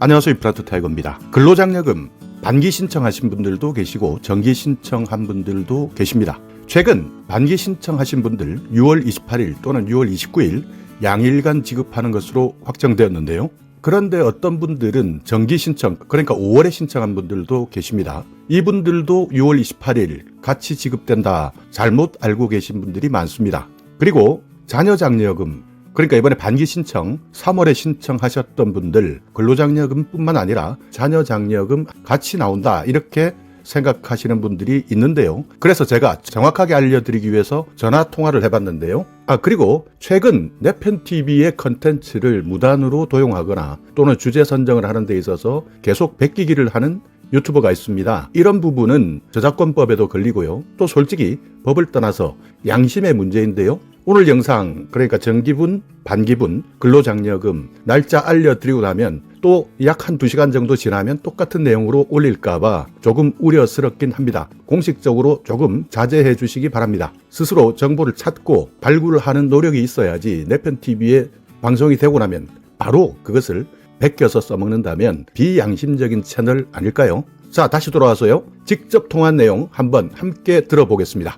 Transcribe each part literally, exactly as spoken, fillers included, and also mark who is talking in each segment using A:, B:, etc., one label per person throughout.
A: 안녕하세요. 임플란트 타이거입니다. 근로장려금 반기 신청하신 분들도 계시고 정기 신청한 분들도 계십니다. 최근 반기 신청하신 분들 유월 이십팔일 또는 유월 이십구일 양일간 지급하는 것으로 확정되었는데요. 그런데 어떤 분들은 정기 신청, 그러니까 오월에 신청한 분들도 계십니다. 이분들도 유월 이십팔일 같이 지급된다 잘못 알고 계신 분들이 많습니다. 그리고 자녀장려금, 그러니까 이번에 반기 신청 삼월에 신청하셨던 분들 근로장려금뿐만 아니라 자녀장려금 같이 나온다 이렇게 생각하시는 분들이 있는데요. 그래서 제가 정확하게 알려드리기 위해서 전화 통화를 해봤는데요. 아 그리고 최근 내편티비의 컨텐츠를 무단으로 도용하거나 또는 주제 선정을 하는 데 있어서 계속 베끼기를 하는 유튜버가 있습니다. 이런 부분은 저작권법에도 걸리고요. 또 솔직히 법을 떠나서 양심의 문제인데요. 오늘 영상, 그러니까 정기분, 반기분, 근로장려금 날짜 알려드리고 나면 또 약 한 두 시간 정도 지나면 똑같은 내용으로 올릴까봐 조금 우려스럽긴 합니다. 공식적으로 조금 자제해 주시기 바랍니다. 스스로 정보를 찾고 발굴을 하는 노력이 있어야지 내편티비에 방송이 되고 나면 바로 그것을 베껴서 써먹는다면 비양심적인 채널 아닐까요? 자, 다시 돌아와서요. 직접 통화한 내용 한번 함께 들어보겠습니다.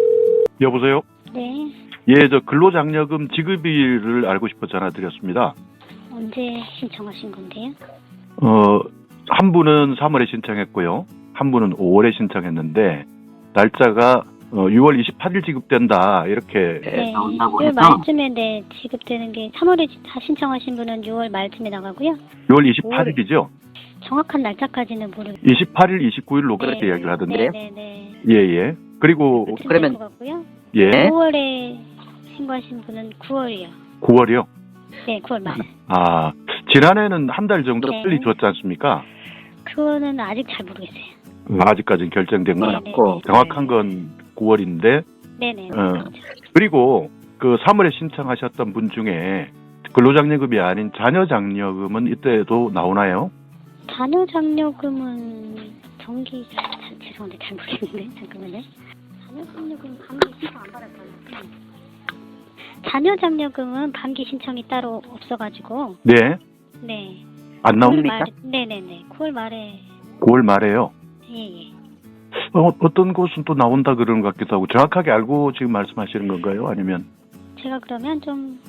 B: 여보세요?
C: 네.
B: 예, 저 근로장려금 지급일을 알고 싶어 전화드렸습니다.
C: 언제 신청하신 건데요?
B: 어, 한 분은 삼월에 신청했고요. 한 분은 오월에 신청했는데 날짜가 어, 유월 이십팔일 지급된다 이렇게
C: 네.
B: 나온다고
C: 유월
B: 해서
C: 말쯤에 네, 지급되는 게 삼월에 다 신청하신 분은 유월 말쯤에 나가고요.
B: 유월 이십팔일이죠?
C: 정확한 날짜까지는 모르겠어요.
B: 이십팔일, 이십구일로 그렇게
C: 네,
B: 이야기를 하던데.
C: 네, 네.
B: 예, 예. 그리고
C: 그러면 것 같고요.
B: 예,
C: 오월에 신고하신 분은 구월이요.
B: 구월이요?
C: 네, 구월 말.
B: 아, 지난해는 한 달 정도
C: 네.
B: 빨리 줬지 않습니까?
C: 그거는 아직 잘 모르겠어요.
B: 음, 아직까지는 결정된 건
C: 네,
B: 없고
C: 네, 네.
B: 정확한 건 구월인데
C: 네네.
B: 어. 그리고 그 삼월에 신청하셨던 분 중에 근로장려금이 아닌 자녀장려금은 이때도 나오나요?
C: 자녀장려금은 정기 잘, 잘, 죄송한데 잘 모르겠는데 잠깐만요. 자녀장려금 반기 신청 안 받았어요. 자녀장려금은 반기 신청이 따로 없어가지고
B: 네,
C: 네.
B: 안 나옵니까?
C: 구월 말에, 네네네. 구월 말에
B: 구월 말에요.
C: 예예.
B: 어, 어떤 곳은 또 나온다 그러는 것 같기도 하고 정확하게 알고 지금 말씀하시는 건가요? 아니면
C: 제가 그러면 좀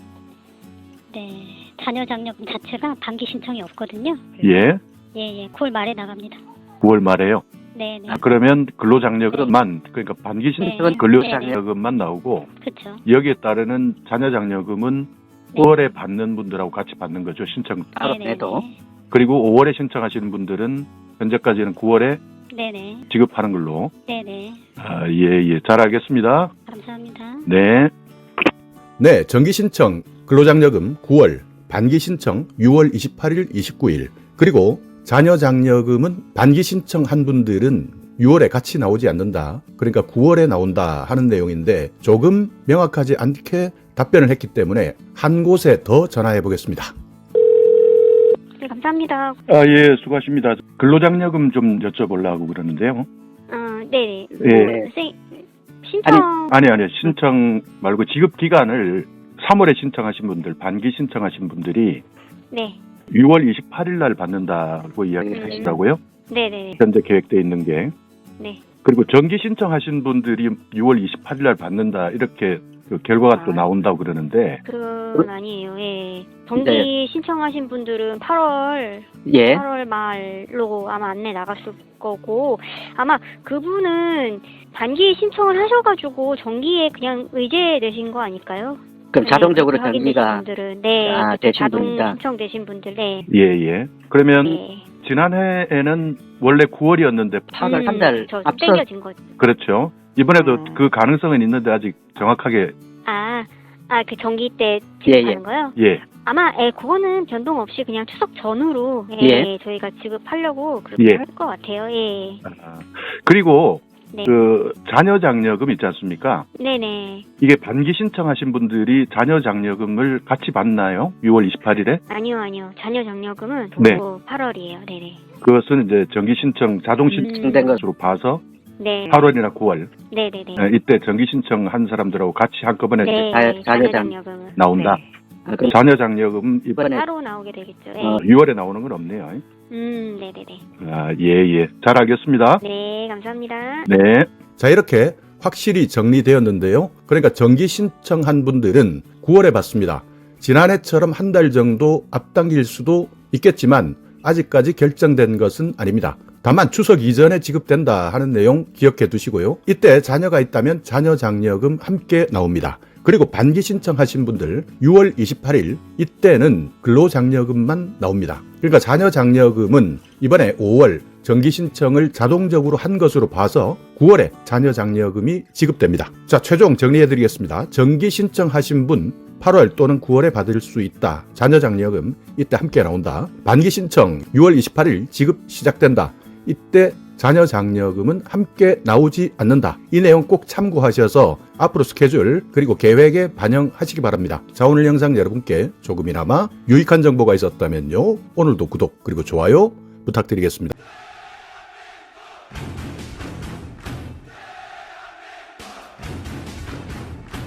C: 네. 자녀장려금 자체가 반기 신청이 없거든요.
B: 예,
C: 예예. 구월 말에 나갑니다.
B: 구월 말에요.
C: 네네.
B: 아, 그러면 근로장려금만 그러니까 반기 신청은
C: 네.
B: 근로장려금만 나오고
C: 그렇죠.
B: 여기에 따르는 자녀장려금은
C: 네.
B: 구월에 받는 분들하고 같이 받는 거죠. 신청 따로
C: 네네네.
B: 내도. 그리고 오월에 신청하시는 분들은 현재까지는 구월에
C: 네네.
B: 지급하는 걸로.
C: 네네.
B: 아, 예, 예. 잘 알겠습니다.
C: 감사합니다.
B: 네.
A: 네, 정기 신청 근로장려금 구월, 반기 신청 유월 이십팔일, 이십구일, 그리고 자녀장려금은 반기 신청한 분들은 유월에 같이 나오지 않는다. 그러니까 구월에 나온다 하는 내용인데 조금 명확하지 않게 답변을 했기 때문에 한 곳에 더 전화해 보겠습니다.
C: 네, 감사합니다.
B: 아, 예, 수고하십니다. 근로장려금 좀 여쭤보려고 그러는데요.
C: 어, 네네.
B: 예.
C: 생, 신청.
B: 아니, 아니, 신청 말고 지급 기간을 삼월에 신청하신 분들, 반기 신청하신 분들이
C: 네.
B: 유월 이십팔일 날 받는다고 이야기하시더라고요.
C: 네네.
B: 현재 계획되어 있는 게.
C: 네.
B: 그리고 정기 신청하신 분들이 유월 이십팔일 날 받는다 이렇게 그 결과가 또
C: 아.
B: 나온다고 그러는데
C: 그건 아니에요. 예. 정기 신청하신 분들은 팔월,
D: 예.
C: 팔월 말로 아마 안내 나갔을 거고, 아마 그분은 반기 신청을 하셔가지고 정기에 그냥 의제되신 거 아닐까요?
D: 그럼
C: 네,
D: 자동적으로
C: 그렇게
D: 정기가
C: 확인되신 분들은, 네,
D: 아,
C: 그쵸,
D: 되신
C: 자동
D: 분이다.
C: 신청되신 분들, 네.
B: 예, 예. 그러면
C: 네.
B: 지난해에는 원래 구월이었는데
D: 팔월 한 달
C: 저
D: 앞서
C: 땡겨진 거죠.
B: 그렇죠. 이번에도
D: 아.
B: 그 가능성은 있는데 아직 정확하게
C: 아, 아, 그 정기 때
D: 예,
C: 지급하는
D: 예.
C: 거요?
B: 예.
C: 아마, 예, 그거는 변동 없이 그냥 추석 전후로, 예,
D: 예.
C: 저희가 지급하려고 그렇게
B: 예.
C: 할 것 같아요, 예.
B: 아, 그리고
C: 네.
B: 그 자녀장려금 있지 않습니까?
C: 네네.
B: 이게 반기 신청하신 분들이 자녀장려금을 같이 받나요? 유월 이십팔일에?
C: 아니요, 아니요. 자녀 장려금은
B: 네.
C: 또 팔월이에요, 네네.
B: 그것은 이제 정기 신청, 자동 신청된
D: 음.
B: 것으로 봐서
C: 네.
B: 팔월이나 구월
C: 네네네.
B: 에, 이때 정기 신청한 사람들하고 같이 한꺼번에
C: 네,
D: 자-
C: 자녀
D: 자녀장-
C: 장려금은.
B: 나온다.
C: 네.
D: 아, 그럼
B: 자녀 장려금 이번
D: 이번에
C: 따로 나오게 되겠죠. 네.
B: 어, 유월에 나오는 건 없네요.
C: 음, 네네네.
B: 아, 예, 예. 잘 알겠습니다.
C: 네, 감사합니다.
B: 네.
A: 자, 이렇게 확실히 정리되었는데요. 그러니까 정기 신청한 분들은 구월에 받습니다. 지난해처럼 한 달 정도 앞당길 수도 있겠지만 아직까지 결정된 것은 아닙니다. 다만 추석 이전에 지급된다 하는 내용 기억해 두시고요. 이때 자녀가 있다면 자녀 장려금 함께 나옵니다. 그리고 반기 신청하신 분들 유월 이십팔일 이때는 근로장려금만 나옵니다. 그러니까 자녀 장려금은 이번에 오월 정기 신청을 자동적으로 한 것으로 봐서 구월에 자녀 장려금이 지급됩니다. 자, 최종 정리해 드리겠습니다. 정기 신청하신 분 팔월 또는 구월에 받을 수 있다. 자녀 장려금 이때 함께 나온다. 반기 신청 유월 이십팔일 지급 시작된다. 이때 자녀 장려금은 함께 나오지 않는다. 이 내용 꼭 참고하셔서 앞으로 스케줄 그리고 계획에 반영하시기 바랍니다. 자, 오늘 영상 여러분께 조금이나마 유익한 정보가 있었다면요. 오늘도 구독 그리고 좋아요 부탁드리겠습니다.